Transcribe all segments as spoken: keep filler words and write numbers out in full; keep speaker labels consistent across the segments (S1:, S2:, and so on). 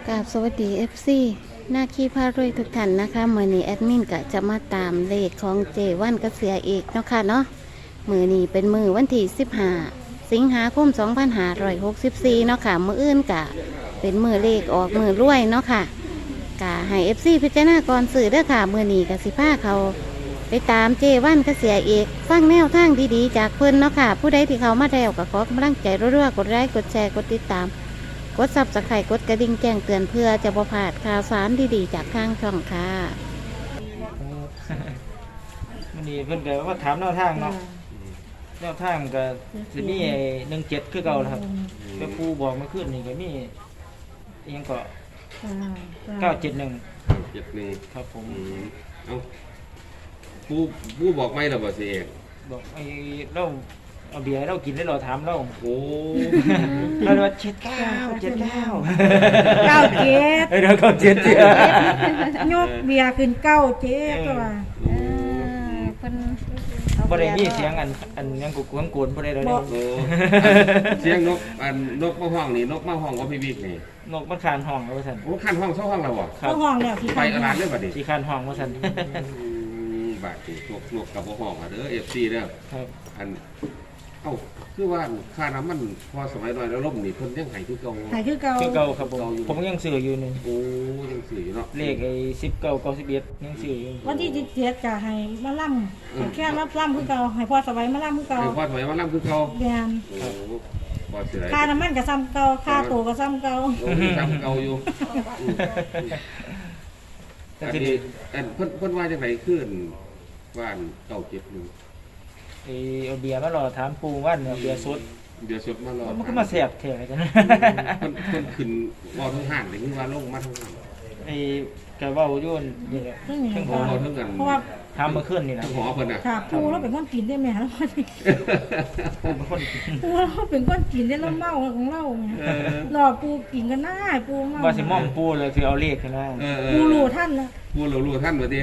S1: กราบสวัสดี เอฟ ซี หน้าขี้พารวยทุกท่านนะคะมือนี้แอดมินก็จะมาตามเลขของเจวันกระเสียเอกเนาะค่ะเนาะมือนี้เป็นมือวันที่สิบห้าสิงหาคมสองพันห้าร้อยหกสิบสี่เนาะค่ะมืออื่นกะเป็นมือเลขออกมือรวยเนาะค่ะกะให้ เอฟ ซี พิจารณาก่อนสื่อเด้อค่ะมือนี้กะสิพาเขาไปตามเจวันกระเสียเอกฟังแนวทางดีๆจากเพิ่นเนาะค่ะผู้ใดที่เขามาแล้วก็ขอกำลังใจรัวๆกดไลค์กดแชร์กดติดตามกดซับสไครต์กดกระดิ่งแจ้งเตือนเพื่อจะบ่พลาดข่าวสารดีๆจากทางช่องค่ะ
S2: มันนี่เพิ่นก็ว่าถามแนวทางเนาะแนวทางก็สิมีหนึ่งเจ็ดคือเก่าครับแต่ผู้บอกเมื่อคืนนี่ก็มีอิหยังก็เก้าเจ็ดหนึ่ง
S3: เจ็ดหนึ่ง
S2: ครับผม
S3: อืมเอาผู้ผู้บอกไม่หรอบ่สิเอก
S2: บอกไอ้เราเอาเบียร์เรากินแล้วเราถามเรา
S3: โอ้
S2: เราเลยว่าเจ็ดเก้าเจ็ดเก้า
S4: เก้าเจ็ด
S2: เอ้ยเราเก้าเจ็ดเจ็ด
S4: ยกเบียร์ขึ้นเก้าเจ็ดตัว
S1: เออเพิ่นอา
S2: บ่ได้มี
S1: บีร์
S2: เสียงอันอันยังกุกกังโกนบ่ได้เลย
S3: โอ้เสียงนกอันนกมาห้องนี่นกมาห้องว่าพี่บิ๊กนี่
S2: นกมันคานห้องแล้วว่าซั่น
S3: โอ้ขั้นห้องเช่าห้องเราบ่
S2: ครับ
S4: เข้าห้องแล้วที่
S3: ไปกระดานเลยบัดนี้
S2: สิคานห้องว่าซั่น
S3: อืมบาดนี่นกนกกับบ่ห้องอ่ะเด้อ เอฟ ซี เด้อ
S2: ครับ
S3: อันเอ้าคือว่าค่าน้ำมันพอสมัยน้อยแล้วล่มนี่เพิ่นยังให้คือเก่า
S4: หายคือเก่า
S2: คือเก่าครับผมผมยังซื้ออยู่นี่
S3: โอ้ยังซื้ออยู่เนาะ
S2: เลขไอ้สิบเก้าเก้าสิบเอ็ดยังซื้ออยู่
S4: วันที่สิบเจ็ดจะให้มาล่ำแค่รับล่ำคือเก่าให้พ่อสบายมาล่ำคือเก่า
S3: ไอ้พอสมัยว่าล่ำคือเก่า
S4: เบียน
S3: โอ้พอสิได้
S4: ค่าน้ำมันกับซ้ำเก่าค่าตัวกับซ้ำเก่า
S3: โอ้ทำเก่าอยู่อืม
S2: แต่
S3: อัน
S2: ที
S3: นี้
S2: นี้
S3: อันเพิ่นเพิ่นว่าจังไดขึ้นว่านเก้าเจ็ดหนึ่ง
S2: ไอ้เอาเบียร์มารอถามปูว่านเอาเบียร์สด
S3: เดี๋ยวสดมารอ
S2: มันก็มาแสบแถวจัง
S3: เพิ่นเพิ่นขึ้นว่าทั้งห้างเลยคือว่าลงมาทั้งห้าง
S2: ไอ้กะเว้าอยู่นี่แหละ
S4: ซึ่งอย่าง
S2: ทั้งห
S4: เก่า
S2: อ
S3: เราทั้งกัน
S4: เพราะว่า
S2: ถามเมื่อคืนนี่นะ
S3: ทั้งหอเพิ่นน่ะ
S4: ค่ะปูเราเป็นคนกินได้ไหมแล้ว
S2: ปูเป็นคน
S4: ปูเราเป็นคนกินได้แล้วเมาของเราไง
S3: เออ
S4: รอปูกินกันหน้าปูเมา
S2: ว่าสิม่อมปูเลยคือเอาเลขขึ้นมา
S3: เออเออ
S4: ปูรู้ท่านนะ
S3: ผู้รู้รู้ท่านว่าติ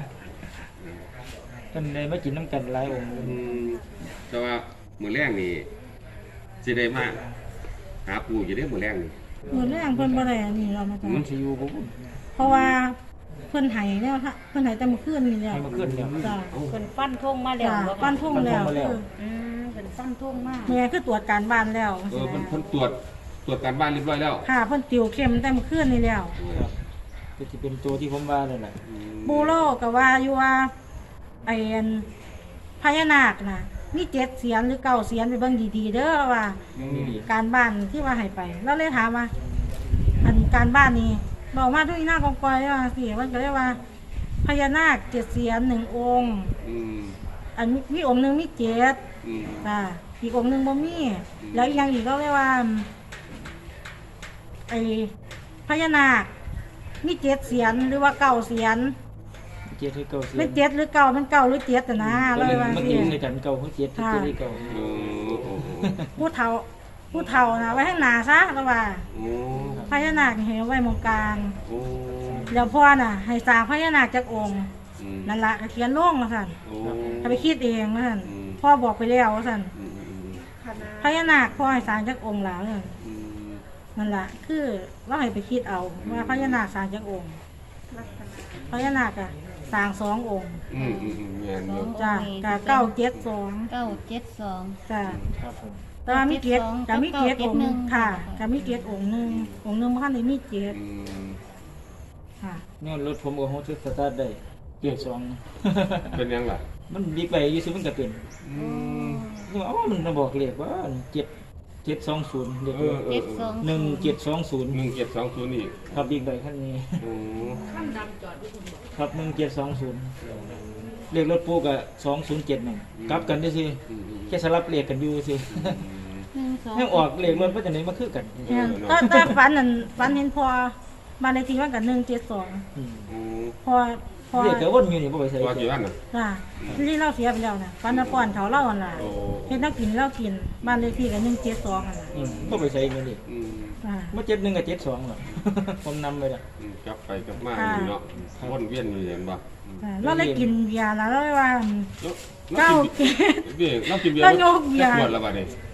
S2: เพิ่นเลยมากินน้ำกันหลายองค์
S3: อืมแต่ว่ามื้อแรกนี่สิได้มาหาปู่อยู่เด้มื้อแรกนี่
S4: เหมือนแรงเพิ่นบ่ได้อันนี้เรามาจ้ะ
S2: มันสิอยู่บ่
S4: เพราะว่าเพิ่นไห้แล้วฮะเพิ่นไห้แต่เมื่อคืนนี่แล้ว
S2: ให้มาขึ้นเนี่ย
S4: จ้ะ
S1: เพิ่นฟันธงมาแล้ว
S4: จ้ะ
S1: บ่
S4: ปั้นทุ่งแล้ว
S2: ปั้นทุ่งมาแล้ว
S4: คือ
S1: อืมเพิ่นฟันธงมา
S4: เมียคือตรวจการบ้านแล้ว
S3: เออเพิ่นเพิ่นตรวจตรวจการบ้านเรียบร้อยแล้ว
S4: ค่ะเพิ่นติวเข้มแต่เมื่อคืนนี่แล้ว
S2: ครับก็สิเป็นตัวที่ผมว่านั่นแหละ
S3: อืม
S4: บูโรก็ว่าอยู่ว่าไอ้อันพญานาคน่ะมีเจ็ดเสียนหรือเก้าเสียนไปเบิ่งดีๆเด้อว่า
S2: นี่ดี
S4: การบ้านที่ว่าให้ไปเราเลยถามว่า อันการบ้านนี้บอกมาทุกอีหน้ากองกอยว่าสิมันก็เลยว่าพญานาคเจ็ดเสียนหนึ่งองค์
S3: อืม
S4: อันมีองค์หนึงมีเจ็ด
S3: อืม
S4: จ้ะอีกองค์หนึงบ่มีแล้วอีกอย่างอีกก็เรียกว่าไอ้พญานาคมีเจ็ดเสียนหรือว่าเก้าเสียน
S2: เจ็ดคือเก่าเสีย
S4: เป็นเจ็ดหรือเก้าเป็นเก้าหรือเจ็ดแต่นะ
S2: มั
S4: เรา
S2: น
S4: เลยว่า
S2: มัน
S4: สิ
S2: กินในกันเก่าคือเจ็ดคือเจ็ดที่เก่า
S3: โอ้โห
S4: ผู้เฒ่าผู้เฒ่านะไว้ข้างหน้าซะแล้วว่า
S3: โอ้
S4: พญานาคให้ไว้มองกลาง
S3: โอ้
S4: แล้วพ่อน่ะ ให้สร้างพญานาคจากองค์
S3: อืม
S4: นั่นละก็เขียนลงมาสั่น
S3: โอ้
S4: ถ้าไปคิดเองมาสั่น
S3: อืม
S4: พ่อบอกไปแล้วว่าสั่น
S3: อืมอืม
S4: พญานาคพ่อให้สร้างจากองค์หลาสั่น
S3: อืม
S4: นั่นละคือเราให้ไปคิดเอาว่าพญานาคสร้างจากองค์พญานาคอะสร้างสององค์
S3: อืมอืมอืมแม่นอยู่
S4: จ้ะกะเก้าเจ็ดสอง
S1: เก้าเจ็ดสอง
S4: จ้ะ
S2: ครับผม
S4: แต่ว่ามีเกียรติ
S1: เก้า
S4: กับ
S1: เจ็
S4: มี
S1: ดสอง
S4: เกียรติองค์หนึง
S1: เก้า
S4: ค่ะ
S1: เจ็ดหนึ่ง
S4: กับมีเกียรติองค์หนึงองค์หนึงบ้านในมีเกียรติ
S3: อืม
S4: ค่ะ
S2: เนี่ยรถผมก็โฮสสตาร์ทได้เกียร์สอง
S3: เป็นยังล่ะ
S2: มันดีไปอยู่ซื้อมันก็เป็น
S3: อืม
S2: นี่ว่าอ๋อมันมาบอกเลขว่าเจ็ดเจ็ดสองศูนย์เด็ก
S3: เออเออ
S1: เจ็ดสอง
S2: หนึ่งเจ็ดสองศูนย์
S3: หนึ่งเจ็ดสองศูนย์อีก
S2: ครับบิ๊กไบค์คันนี้
S3: โอ้
S2: ครับหนึ่งเจ็ดสองศูนย์เลขรถปูกับสองศูนย์เจ็ดหนึ่งกลับกันด้วยสิ
S3: อืมอืม
S2: แค่สลับเลขกันอยู่สิ
S1: หนึ่งสอง
S2: ให้ออกเลขรถว่าจะไหนมาคือกัน
S4: เนี่ยแต่แต่ฝันนั่นฝันเห็นพอบ้านเลขที่ว่ากันหนึ่งเจ็ดสอง
S2: อืม
S3: อืม
S4: พอพอ
S2: เลขก็วนอยู่นี่บ่ไปใส่
S3: ว่ากี่วันน่ะ
S4: น่ะที่เราเสียไปแล้วน่ะฝันน่ะป้อนเขาเล่าหั่นล่ะ
S3: โอ้
S4: เฮ็ดนักกินเล่ากินบ้านเลขที่กันหนึ่งเจ็ดสองหั่นล่ะ
S2: อืมบ่ไปใส่เงินดิ
S3: อืม
S4: อ่า
S2: มาเจ็ดหนึ่งกับเจ็ดสองหรอ ผมนำไปละ
S3: อืมกลับไปกลับมาอยู่เนาะวนเวียนอยู่เห็นป่ะ
S4: อ่าเราได้กินเบียร์แล้วเราเลยว่า
S3: แล้ว
S4: เก้า
S3: เบียร์เรากินเบียร์
S4: แล้วโยกเบียร์
S3: ขวดละบาทนี่
S2: ม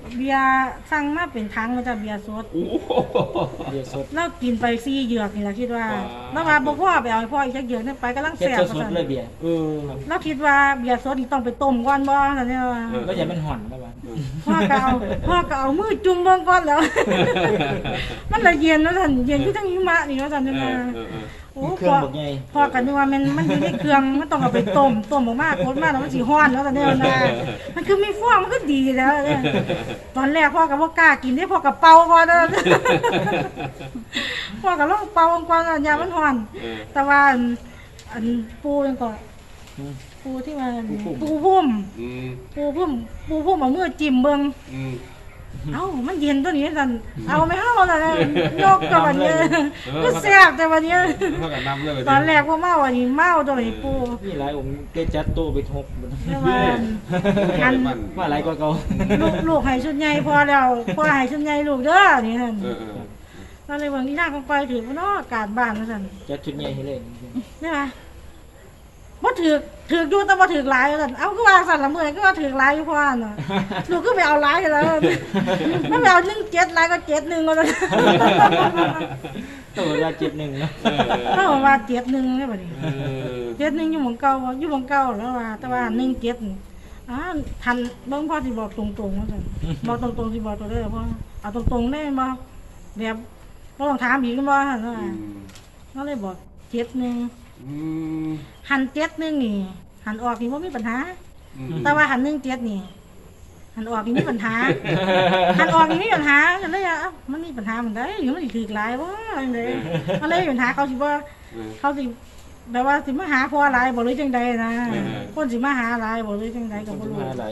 S4: เบียร์สั่งมาเป็นถังมาจากเบียร์สด
S3: โอ้โห
S2: เบียร์สด
S4: เรากินไปสี่เหยือกนี่แหละคิดว่า
S3: ว้าว
S4: แล้วว่าบ่พ่อไปเอาให้พ่ออีกจักเหยือกนี่ไปกำลัง
S2: เฮ็ด
S4: แซ่บ
S2: ส
S4: ว่า
S2: ด
S4: ซั่น
S2: ๆเลยเบียร์
S3: เออ
S4: เราคิดว่าเบียร์สดนี่ต้องไปต้มก่อนบ่ซั่นเนี่ยว่า
S2: ก็อย่ามันห่อนนะบ้าน
S4: พ่อก็เอาพ่อก็เอามือจุ่มเบิ่งก่อนแล้ว มันละเย็นว่าซั่นเย็นคือทั้งหิมะนี่ว่าซั่น
S3: เอ
S4: เนี่ย
S3: อ
S4: ว่า
S3: เออเออ
S4: โอ้
S2: เครื่อ
S4: พ่
S2: ง
S4: อ
S2: บักใหญ่
S4: พ่อก็นึกว่ามันมันอยู่ในเครื่องมันต้องเอาไปต้มต้มออกมาโคตรมาแล้วมันสิฮ้อนแล้วซั่นเนี่ยนะมันคือมีฟองมันก็ดีแล้วเนี่ยตอนแรกพ่อก็บ่กล้ากินเด้พ่อก็เป่าก่อนเด้อ พ่อก็ลองเป่าก่อนอย่ามันฮ้อน
S3: เออ
S4: แต่ว่าอันอันปูนั่นก็
S2: อืม
S4: ปูที่ว่า
S2: ปูพุ่ม
S4: ปูพุ่ม
S3: อืม
S4: ปูพุ่มปูพุ่มเอามือจิ้มเบิ่ง
S3: อืม
S4: เอ้ามันเย็นตัวนี้สั่นเอาไม่เฮาล่ะนะยกตัวนี้ก็แซ่บแต่วันนี้
S3: เท่ากับน้ำเลย
S4: ตอนแรกว่าเมาอันนี้เมาตัวนี้ปู
S2: มีหลายองค์เตจัดโตไปทบ
S4: เรียกว่าอัน
S2: ว่าหลายกว่าเก่า
S4: ลูกลูกให้ชุดใหญ่พอแล้วพอให้ชุดใหญ่ลูกเด้อนี่นั่น
S3: เออเออ
S4: ก็เลยว่านี่นางคงไปถือว่าเนาะอากาศบ้านว่าซั่น
S2: จัดชุดใหญ่ให้เลย
S4: นี่ล่ะบ่ถือกถือกอยู่แต่บ่ถือกหลายว่าซั่นเอาคือว่าซั่นละมื้อนี้คือว่าถือกหลายอยู่พอน่ะลูกคือไปเอาหลายแล้วมันไปเอาหนึ่งเจ็ดหลายก็เจ็ดหนึ่งว่าซั่น
S2: ตัวเวลาเจ็ดหนึ่งเนาะ
S4: ถ้าว่าเจ็ดหนึ่งได้บ่นี่
S3: เออ
S4: เจ็ดหนึ่งอยู่หม้องเก่าบ่อยู่หม้องเก่าแล้วว่าแต่ว่าหนึ่งเจ็ดนี่อ่าทันเบิ่งพ่อสิบอกตรงๆว่าซั่นบอกตรงๆสิบอกตัวได้พ่อเอาตรงๆได้บ่แบบบ่ต้องถามอีกบ่ซั่นว่า
S3: อืม
S4: ก็เลยบอกเจ็ดหนึ่ง
S3: อืม
S4: หันเจ็ดหนึ่งนี่ หันออกนี่บ่มีปัญหา
S3: อืม
S4: แต่ว่าหันหนึ่งเจ็ดนี่ หันออกนี่มีปัญหา หันออกนี่มีปัญหาก็เลยอ่ะมันมีปัญหามันได้อยู่มันสิถือหลายบ่จังได๋ก็เลยมีปัญหาเขาสิบ่
S3: เออ
S4: เขาสิแบบว่าสิมาหาพ่อหลายบ่หรือจังใดนะ
S3: เออ
S4: คนสิมาหาหลายบ่หรือจังใดก็บ่รู้
S2: มาหลาย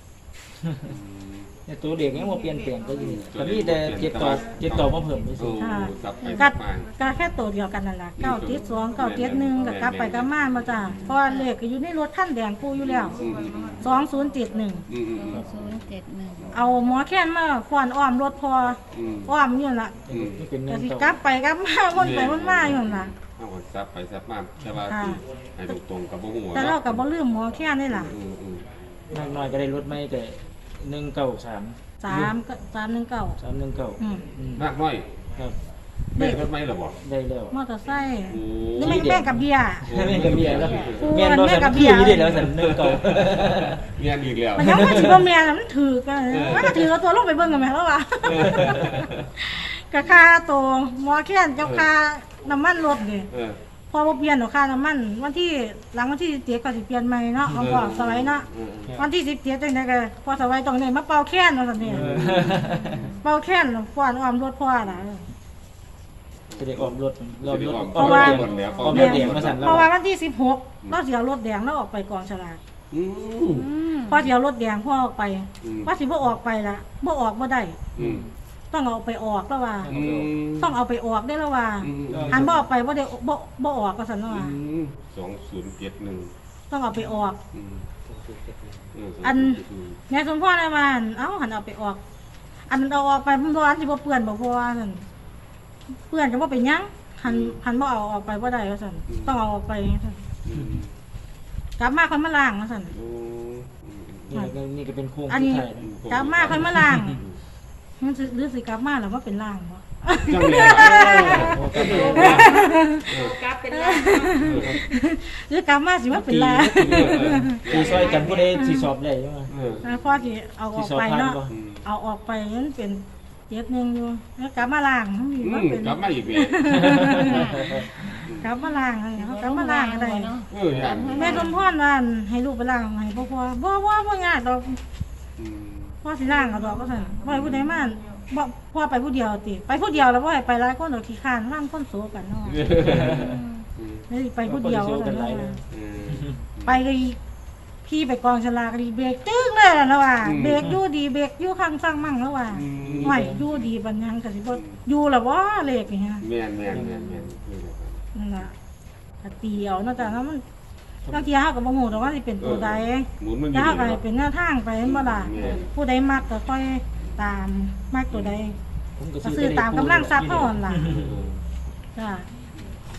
S2: เนี่ยตัวเด็กยังบ่เปลี่ยนแปลงก็อยู่แต่มีแต่เจ็ดต่อเจ็ดต่อมาเพิ่มไปสิ
S3: โอ้กลับไปก
S4: ก็
S3: ลับมา
S4: ก็แค่ตัวเดียวกันนั่นล่ะเก้าเจ็ดสอง เก้าเจ็ดหนึ่งก็กลับไปกลับมาบ่จ้ะเพราะว่าเลขก็อยู่ในรถคันแดงปูอยู่แล้ว
S3: อืมอืม
S4: สองศูนย์เจ็ดหนึ่ง
S3: อืมอืม
S1: ศูนย์เจ็ดหนึ่ง
S4: เอาหมอแค้นมาฟ้อนอ้อมรถพอ
S3: อืม
S4: อ้อมอยู่นั่นล่ะ
S3: อืม
S2: นี่เป็นเงิ
S4: ก็
S2: น
S4: สิ
S2: เก่าก
S4: ลับไปกลับมาวนไปวนมาอยู่นั่นล่ะ
S3: เอาไว้ซับไปซับมาแต่ว่า
S4: ค่ะ
S3: ให้ตรงๆกับบ่ฮู้
S4: แต่เราก็บ่ลืมหมอแค้นนี่ล่ะ
S3: อืมอืม
S2: มากน้อยก็ได้ลดไม่แต่หนึ่งเก้าสาม
S4: สามก็สามหนึ่งเก้า
S2: สามหนึ่งเก้า
S4: อืม
S3: มากน้อย
S2: ครับ
S3: ได้รถไหมล่ะบ่
S2: ได้แล้ว
S4: มอเตอร์ไซค์
S3: โอ้
S4: นี่ไม่แม่งกับเบียร์
S2: แม่กับเบียร์แล้ว
S4: โอ้
S2: แม่นบ่
S4: แม่
S2: สัน
S4: กับเบี
S2: คื
S4: ย
S2: อ
S4: ร์
S2: อยู่ได้แล้วสันหนึ่งเก้า
S3: เมียนอีกแล้ว
S4: มันยังว่าสิบ่แม่นน่ะมันถือกันมันก็ถือเอาตัวลงไปเบิ่งกันแม่แล้วว่ะก็ค่าตัวหมอแค้นกับค่าน้ำมันรถนี่
S3: เออ
S4: พอบ่เปลี่ยนดอกค่าน้ำมันวันที่หลังวันที่สิบเจ็ดก็สิเปลี่ยนใหม่เนาะเอาบอกสไลด์เนาะ
S3: เออ
S4: วันที่สิบเจ็ดจังไดก็พอสบายตรงนี้มาเป่าแค้นว่าซั่นนี่ เป่าแค้นฟ้อนอ้อมรถพ่อน่ะ
S2: จะได้ออมรถรอบรถ
S4: เพราะว่า
S2: ออมรถออมรถเดียงมาสั่นแล้ว
S4: เพราะว่าวันที่สิบหกเราสิเอารถแดงเราออกไปกองฉลาก
S3: อืม
S1: อืม
S4: พอสิเอารถแดงพ่อออกไป
S3: อืม
S4: ว่าสิบ่ออกไปละบ่ออกบ่ได้
S3: อืม
S4: ต้องเอาไปออกแล้วว่า
S3: อืม
S4: ต้องเอาไปออกได้แล้วว่า
S3: อืม
S4: หันบ่ออกไปบ่ได้บ่บ่ออกก็ซั่นว่า
S3: อืมสองศูนย์เจ็ดหนึ่ง
S4: ต้องเอาไปออก
S3: อืมเ
S4: อัน
S3: สงศูย์เจ็ดหนึ่ง
S4: แม่สมพรได้ว่าเอ้าหันเอาไปออก อันมันเอาออกไปมันร้อนสิบ่เปื้อนบ่พอว่าซั่นเปื้อนก็บ่เป็นหยังหันหันบ่เอาออกไปบ่ได้ว่าซั่นต้องเอาออกไปซั่น
S3: อืม
S4: กลับมาค่อยมาล้างว่าซั่น
S3: โอ้อืม
S2: นี่ก็นี่ก็เป็นโค้ง
S4: อัน
S2: สุด
S4: นี้
S2: ท้ายนะ
S4: กลับมาค่อยมาล้างมันสิหรือสิกลับมาแล้วว่าเป็นล้างบ่
S3: จังเลย
S2: โอ้ก็ดี
S5: กลับเป็นแล้ว
S4: หรือกลับมาสิว่าเป็นล้าง
S2: ตีซอยกันผู้ใดสิสอบได้ใช่ไหม
S3: เออ
S4: แล้วพอสิเอาอ
S2: สิ
S4: อก
S2: สอบ
S4: ไป
S2: ผ่าน
S4: เนาะ
S2: บ่
S3: อืม
S4: เอาออกไปมันเป็นเจ็ดหนึงอยู่แล้วกลับมาล้างมันมี
S3: อื
S4: ว่าม เป็น
S3: กลับมาอีกเลย
S4: กลับมาล้างอะไรเขากลับมาล้างอะไร
S1: เนาะ
S3: เอออย่าง
S4: แม่สมพรว่าให้ลูกไปล้างให้พ่อพ่อบ่บ่บ่ยากดอก
S3: อืม
S4: พ่อสิล้างเอาดอกก็ซั่นบ่ให้ผู้ใดมาบ่พ่อไปผู้เดียวติไปผู้เดียวแล้วบ่ให้ไปหลายคนดอกขี้คร้านล้างคนโซกันเนาะ
S3: อืม
S4: นี่ไปผู้เดียว
S2: คนสิสู้กั
S4: ซั่น
S2: นหลาย
S4: เนาะ
S2: นะ
S3: อืม
S4: ไปก็อีพี่ไปกองฉลากก็ดีเบรกจึ้งเลยล่ะแล้วว่า
S3: อืม
S4: เบรกอยู่ดีเบรกอยู่ข้างสร้างมั่งแล้วว่า
S3: อืม
S4: ไม่อยู่ดีบันยังก็สิบ่อยู่ล่ะบ่เลขนี่ฮะ
S3: แม่นแม่นแม่นแม่นนี่แหละครับ
S4: นั่นล่ะก็ตีเอาเนาะจ้ะแล้วมันบางทีเฮาก็บ่ฮู้ดอกว่าสิเป็นตัวใด
S3: หมุนมันอ
S4: แล้
S3: ยู่
S4: วเฮาก็
S3: นี่
S4: ให้เป็นแนวทางไปแม่นบ่ล่ะ
S3: แม่น
S4: ผู้ใดมักก็ค่อยตามมักตัวใด
S2: ผม
S4: ก็ซื้อตามกำลังทรัพย์เฮาหั่นล่ะ
S3: เออ
S4: จ้ะ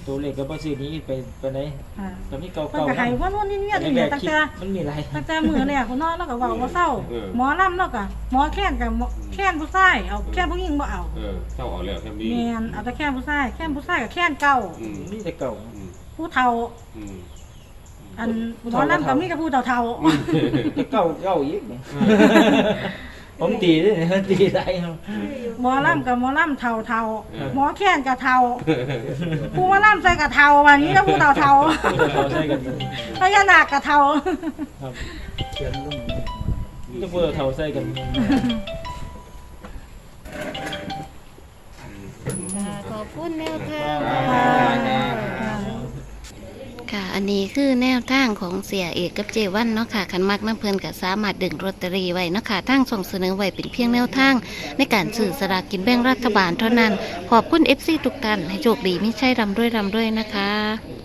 S2: ตัวเลขก็บ่ซื้อนี้ไปไปไหน
S4: ค่ะ
S2: ก็มีเก่า
S4: เพิ่น
S2: เก่า
S4: ก็ให้ว่านู่นนี่เนี่ยนี่
S2: แร
S4: เนี่ย
S2: ก
S4: ตั้ง
S2: ๆคิด
S4: แต่
S2: มันมีหลาย
S4: ตั้งแต่มื้อแรกเขานอนแล้วก็เว้าบ่เศร้า หมอลำแล้วก็หมอแค้นกับหมอแค้นผู้ชายเอาแค้นผู้หญิงบ่เอา
S3: เออเจ้าเออกแล้วแค่นี้
S4: แม่นเอาแต่แค้นผู้ชายแค้นผู้ชายกับแค้นเก่า
S3: อืม
S2: มีแต่เก่า
S3: อืม
S4: ผู้เฒ่า
S3: อืม
S4: อันหมอลำก็มีแต่ผู้เฒ่า
S2: แต่เก่าเก่าอีกนี่ผมตีด้วยนี่ตีได้ครับ
S4: ๆหมอลำกับหมอลำเฒ่าเฒ่าๆ
S3: เออ
S4: หมอแค้นกับเฒ่าผู้หมอลำใส่กับเฒ่าวันนี้แล้วผู้เฒ่าเฒ่า
S2: ผู้เฒ่าใช้กัน
S4: พญานาคกับเฒ่า
S2: ครับเขียนลงจะผู้เฒ่าใช้กัน
S1: ค่ะขอบคุณแนวทาง
S3: ครับ
S1: ค่ะ อันนี้คือแนวทางของเสียเอกกับเจวันเนาะค่ะคันมักน้ำเพลินก็สามารถดึงลอตเตอรี่ไว้เนาะค่ะทั้งส่งเสนอไว้เป็นเพียงแนวทาง ในการสื่อสลากกินแบ่งรัฐบาลเท่านั้น ขอบคุณ เอฟ ซี ทุกท่านให้โชคดีไม่ใช่รำด้วยรำด้วยนะคะ